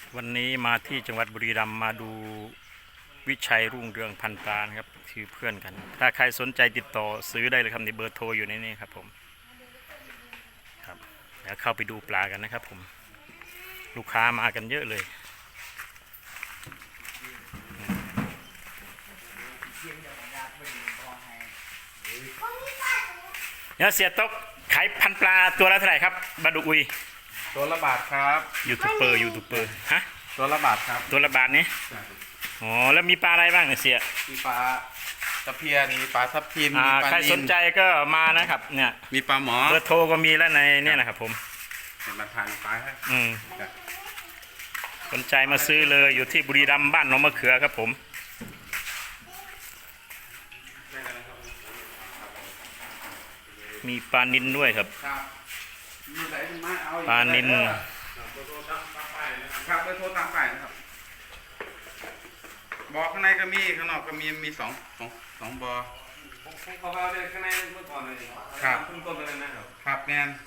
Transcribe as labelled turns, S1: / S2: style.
S1: วันนี้มาที่จังหวัดบุรีรัมย์มาดูวิชัยรุ่งเรืองพันปลานะครับคือเพื่อนกันถ้าใครสนใจติดต่อซื้อได้เลยครับในเบอร์โทรอยู่ในนี้ครับผมครับเดี๋ยวเข้าไปดูปลากันนะครับผมลูกค้ามากันเยอะเลยเนี่ยเสียต๊กขายพันปลาตัวละเท่าไหร่ครับบาดุกอุย
S2: ตัวละบาทครับ
S1: ยูทูบเบอร์ฮะ
S2: ตัวละบาทครับ
S1: ตัวละบาทนี้อ๋อแล้วมีปลาอะไรบ้างเนี่ยเสีย
S2: มีปลาตะเพียนมีปลาทับทิมมีปลา
S1: ใครสนใจก็มานะครับเนี่ย
S2: มีปลาหมอ
S1: เบอร์โทรก็มีแล้วในเนี่ยนะครับผม
S2: เป็นมาทานปลาให้
S1: สนใจมาซื้อเลยอยู่ที่บุรีรัมย์บ้านหนองมะเขือครับผมมีปลานิลด้วยครับปลานิล
S2: ครับไปโทรตามไปนะครับบ่อข้างในก็มีข้างนอกก็มีสองบ่อ
S3: เขาก็ได้ข้างในเมื่อก่อนเลย
S2: ครับ
S3: ต้นเลยนะครับ
S2: ครับแมน